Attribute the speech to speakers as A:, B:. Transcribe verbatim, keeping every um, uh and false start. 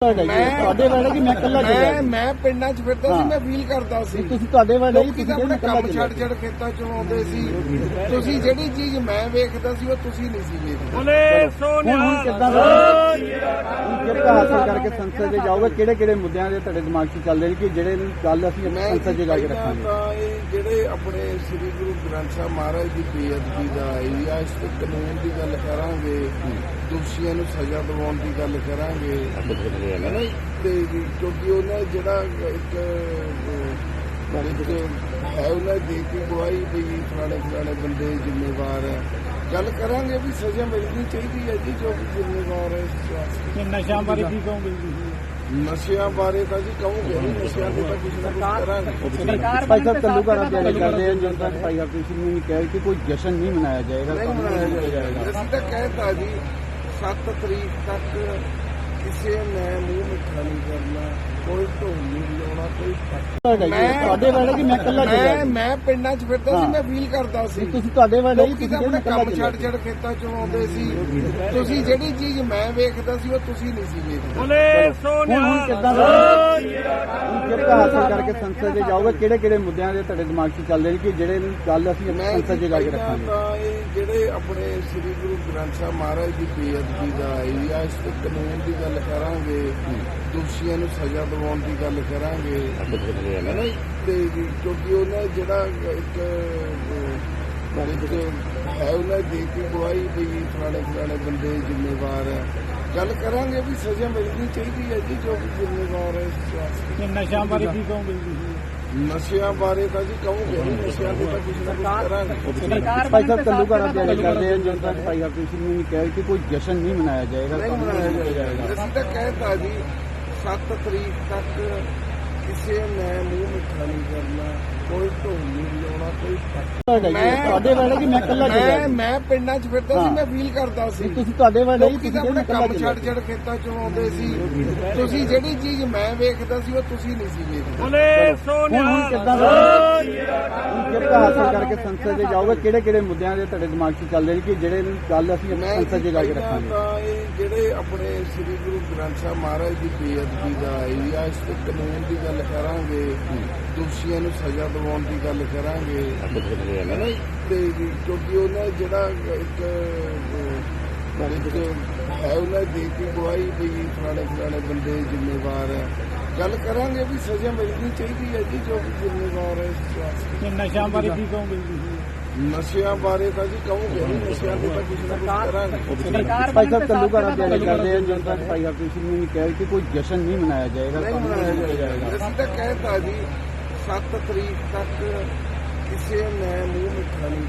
A: ਤੁਹਾਡੇ ਵਾਲੇ ਕਿ ਮੈਂ ਇਕੱਲਾ
B: ਮੈਂ ਮੈਂ ਪਿੰਡਾਂ 'ਚ ਫਿਰਦਾ ਸੀ, ਮੈਂ ਫੀਲ ਕਰਦਾ ਸੀ।
A: ਤੁਸੀਂ ਤੁਹਾਡੇ ਵਾਲੇ
B: ਲੋਕੀ ਤਾਂ ਆਪਣੇ ਕੰਮ ਛੱਡ ਛੱਡ ਖੇਤਾਂ 'ਚ ਆਉਂਦੇ ਸੀ। ਤੁਸੀਂ ਜਿਹੜੀ ਚੀਜ਼ ਮੈਂ ਵੇਖਦਾ ਸੀ ਉਹ ਤੁਸੀਂ ਨਹੀਂ ਸੀ ਵੇਖਦੇ।
A: ਬੋਲੇ ਸੋਨਿਆ ਕਿੱਦਾਂ ਕਿਹੜਾ ਹਾਸਲ ਕਰਕੇ ਸੰਸਦ 'ਚ ਜਾਓਗੇ? ਕਿਹੜੇ ਕਿਹੜੇ ਮੁੱਦਿਆਂ ਦੇ ਤੁਹਾਡੇ ਦਿਮਾਗ 'ਚ ਚੱਲਦੇ ਨੇ ਕਿ ਜਿਹੜੇ ਗੱਲ ਅਸੀਂ ਸੰਸਦ 'ਚ ਜਾ ਕੇ ਰੱਖਾਂਗੇ?
B: ਤਾਂ ਇਹ ਜਿਹੜੇ ਆਪਣੇ ਸ੍ਰੀ ਗੁਰੂ ਗ੍ਰੰਥ ਸਾਹਿਬ ਮਹਾਰਾਜ ਦੀ ਬੇਅਦਬੀ ਦਾ ਜਾਂ ਇਸ ਤੇ ਕਾਨੂੰਨ ਦੀ ਗੱਲ ਕਰਾਂਗੇ, ਦੋਸ਼ੀਆਂ ਨੂੰ ਸਜ਼ਾ ਦਿਵਾਉਣ ਦੀ ਗੱਲ ਕਰਾਂਗੇ ਹੈ ਨਾ। ਤੇ ਕਿਉਂਕਿ ਉਹਨਾਂ ਜਿਹੜਾ ਇੱਕ ਇੱਕ ਹੈ ਉਹਨਾਂ ਦੇ ਕੇ ਗਵਾਹੀ ਵੀ ਫਲਾਣੇ ਫਲਾਣੇ ਬੰਦੇ ਜ਼ਿੰਮੇਵਾਰ ਹੈ। ਗੱਲ ਕਰਾਂਗੇ ਵੀ ਸਜ਼ਾ ਮਿਲਣੀ ਚਾਹੀਦੀ ਹੈ ਜੀ ਜੋ ਵੀ ਜ਼ਿੰਮੇਵਾਰ ਹੈ।
A: ਨਸ਼ਿਆਂ ਬਾਰੇ ਕੀ ਕਹੋਗੇ?
B: ਨਸ਼ਿਆਂ ਬਾਰੇ ਤਾਂ ਜੀ ਕਹੋਗੇ ਨਹੀਂ, ਨਸ਼ਿਆਂ ਦੇ ਤਾਂ ਕੁਝ ਨਾ ਕੁਝ ਕਰਾਂਗੇ।
A: ਭਾਈ ਸਾਹਿਬ ਤੰਦੂਕਰ ਤਿਆਰੀ ਕਰਦੇ ਹਨ ਜਨਤਾ ਭਾਈ ਆਪਰੇਸ਼ਨ ਨੇ ਕਿਹਾ ਕਿ ਕੋਈ ਜਸ਼ਨ ਨਹੀਂ ਮਨਾਇਆ ਜਾਏਗਾ।
B: ਨਹੀਂ ਮਨਾਇਆ ਜਾਏਗਾ। ਅਸੀਂ ਤਾਂ ਕਹਿਤਾ ਜੀ ਸੱਤ ਤਰੀਕ ਤੱਕ ਕਿਸੇ ਨੇ ਮੂੰਹ ਮਿੱਠਾ ਨਹੀਂ ਕਰਨਾ, ਕੋਈ ਢੋਲ ਨਹੀਂ ਲਾਉਣਾ, ਕੋਈ
A: ਤੁਹਾਡੇ ਵਾਲੇ ਕਿ ਮੈਂ ਇਕੱਲਾ
B: ਮੈਂ ਮੈਂ ਪਿੰਡਾਂ 'ਚ ਫਿਰਦਾ ਸੀ, ਮੈਂ ਫੀਲ ਕਰਦਾ ਸੀ।
A: ਤੁਸੀਂ ਤੁਹਾਡੇ ਵਾਲੇ
B: ਲੋਕੀ ਤਾਂ ਆਪਣੇ ਕੰਮ ਛੱਡ ਛੱਡ ਖੇਤਾਂ 'ਚ ਆਉਂਦੇ ਸੀ। ਤੁਸੀਂ ਜਿਹੜੀ ਚੀਜ਼ ਮੈਂ ਵੇਖਦਾ ਸੀ ਉਹ ਤੁਸੀਂ ਨਹੀਂ ਸੀ ਵੇਖਦੇ।
A: ਬੋਲੇ ਸੋਨਿਆ ਕਿੱਦਾਂ ਕਿਹੜਾ ਹਾਸਲ ਕਰਕੇ ਸੰਸਦ 'ਚ ਜਾਓਗੇ? ਕਿਹੜੇ ਕਿਹੜੇ ਮੁੱਦਿਆਂ ਦੇ ਤੁਹਾਡੇ ਦਿਮਾਗ 'ਚ ਚੱਲਦੇ ਨੇ ਕਿ ਜਿਹੜੇ ਗੱਲ ਅਸੀਂ ਸੰਸਦ 'ਚ ਜਾ ਕੇ ਰੱਖਾਂਗੇ?
B: ਤਾਂ ਇਹ ਜਿਹੜੇ ਆਪਣੇ ਸ੍ਰੀ ਗੁਰੂ ਗ੍ਰੰਥ ਸਾਹਿਬ ਮਹਾਰਾਜ ਦੀ ਬੇਅਦਬੀ ਦਾ ਜਾਂ ਇਸ ਤੇ ਕਾਨੂੰਨ ਦੀ ਗੱਲ ਕਰਾਂਗੇ, ਦੋਸ਼ੀਆਂ ਨੂੰ ਸਜ਼ਾ ਦਿਵਾਉਣ ਦੀ ਗੱਲ ਕਰਾਂਗੇ ਹੈ ਨਾ। ਤੇ ਕਿਉਂਕਿ ਉਹਨਾਂ ਜਿਹੜਾ ਇੱਕ ਹੈ ਉਹਨਾਂ ਦੇ ਕੇ ਗਵਾਹੀ ਵੀ ਫਲਾਣੇ ਫਲਾਣੇ ਬੰਦੇ ਜ਼ਿੰਮੇਵਾਰ ਹੈ। ਗੱਲ ਕਰਾਂਗੇ ਵੀ ਸਜ਼ਾ ਮਿਲਣੀ ਚਾਹੀਦੀ ਹੈ ਜੀ ਜੋ ਵੀ ਜ਼ਿੰਮੇਵਾਰ ਹੈ।
A: ਨਸ਼ਿਆਂ ਬਾਰੇ ਕੀ ਕਹੋਗੇ?
B: ਨਸ਼ਿਆਂ ਬਾਰੇ ਤਾਂ ਜੀ ਕਹੋਗੇ ਨਹੀਂ, ਨਸ਼ਿਆਂ ਦੇ ਤਾਂ ਕੁਝ ਨਾ ਕੁਝ ਕਰਾਂਗੇ।
A: ਭਾਈ ਸਾਹਿਬ ਤੰਦੂਕਰ ਤਿਆਰੀ ਕਰਦੇ ਹਨ ਜਨਤਾ ਭਾਈ ਆਪਰੇਸ਼ਨ ਨੇ ਕਿਹਾ ਕਿ ਕੋਈ ਜਸ਼ਨ ਨਹੀਂ ਮਨਾਇਆ ਜਾਏਗਾ।
B: ਨਹੀਂ ਮਨਾਇਆ ਜਾਏਗਾ। ਅਸੀਂ ਤਾਂ ਕਹਿਤਾ ਜੀ ਸੱਤ ਤਰੀਕ ਤੱਕ ਕਿਸੇ ਨੇ ਮੂੰਹ ਮਿੱਠਾ ਨਹੀਂ ਕਰਨਾ, ਕੋਈ ਢੋਲ ਨਹੀਂ ਲਾਉਣਾ, ਕੋਈ
A: ਤੁਹਾਡੇ ਵਾਲੇ ਕਿ ਮੈਂ ਇਕੱਲਾ
B: ਮੈਂ ਮੈਂ ਪਿੰਡਾਂ 'ਚ ਫਿਰਦਾ ਸੀ, ਮੈਂ ਫੀਲ ਕਰਦਾ ਸੀ।
A: ਤੁਸੀਂ ਤੁਹਾਡੇ ਵਾਲੇ
B: ਲੋਕੀ ਤਾਂ ਆਪਣੇ ਕੰਮ ਛੱਡ ਛੱਡ ਖੇਤਾਂ 'ਚ ਆਉਂਦੇ ਸੀ। ਤੁਸੀਂ ਜਿਹੜੀ ਚੀਜ਼ ਮੈਂ ਵੇਖਦਾ ਸੀ ਉਹ ਤੁਸੀਂ ਨਹੀਂ ਸੀ ਵੇਖਦੇ।
A: ਬੋਲੇ ਸੋਨਿਆ ਕਿੱਦਾਂ ਕਿਹੜਾ ਹਾਸਲ ਕਰਕੇ ਸੰਸਦ 'ਚ ਜਾਓਗੇ? ਕਿਹੜੇ ਕਿਹੜੇ ਮੁੱਦਿਆਂ ਦੇ ਤੁਹਾਡੇ ਦਿਮਾਗ 'ਚ ਚੱਲਦੇ ਨੇ ਕਿ ਜਿਹੜੇ ਗੱਲ ਅਸੀਂ ਸੰਸਦ 'ਚ ਜਾ ਕੇ ਰੱਖਾਂਗੇ?
B: ਤਾਂ ਇਹ ਜਿਹੜੇ ਆਪਣੇ ਸ੍ਰੀ ਗੁਰੂ ਗ੍ਰੰਥ ਸਾਹਿਬ ਮਹਾਰਾਜ ਦੀ ਬੇਅਦਬੀ ਦਾ ਜਾਂ ਇਸ ਤੇ ਕਾਨੂੰਨ ਦੀ ਗੱਲ ਕਰਾਂਗੇ, ਦੋਸ਼ੀਆਂ ਨੂੰ ਸਜ਼ਾ ਦਿਵਾਉਣ ਦੀ ਗੱਲ ਕਰਾਂਗੇ ਹੈ ਨਾ। ਤੇ ਕਿਉਂਕਿ ਉਹਨਾਂ ਜਿਹੜਾ ਇੱਕ ਹੈ ਉਹਨਾਂ ਦੇ ਕੇ ਗਵਾਹੀ ਵੀ ਫਲਾਣੇ ਫਲਾਣੇ ਬੰਦੇ ਜ਼ਿੰਮੇਵਾਰ ਹੈ। ਗੱਲ ਕਰਾਂਗੇ ਵੀ ਸਜ਼ਾ ਮਿਲਣੀ ਚਾਹੀਦੀ ਹੈ ਜੀ ਜੋ ਵੀ ਜ਼ਿੰਮੇਵਾਰ ਹੈ।
A: ਨਸ਼ਿਆਂ ਬਾਰੇ ਕੀ ਕਹੋਗੇ?
B: ਨਸ਼ਿਆਂ ਬਾਰੇ ਤਾਂ ਜੀ ਕਹੋਗੇ ਨਹੀਂ, ਨਸ਼ਿਆਂ ਦੇ ਤਾਂ ਕੁਝ ਨਾ ਕੁਝ ਕਰਾਂਗੇ।
A: ਭਾਈ ਸਾਹਿਬ ਤੰਦੂਕਰ ਤਿਆਰੀ ਕਰਦੇ ਹਨ ਜਨਤਾ ਭਾਈ ਆਪਰੇਸ਼ਨ ਨੇ ਕਿਹਾ ਕਿ ਕੋਈ ਜਸ਼ਨ ਨਹੀਂ ਮਨਾਇਆ ਜਾਏਗਾ।
B: ਨਹੀਂ ਮਨਾਇਆ ਜਾਏਗਾ। ਅਸੀਂ ਤਾਂ ਕਹਿਤਾ ਜੀ ਸੱਤ ਤਰੀਕ ਤੱਕ ਕਿਸੇ ਨੇ ਮੂੰਹ ਮਿੱਠਾ ਨਹੀਂ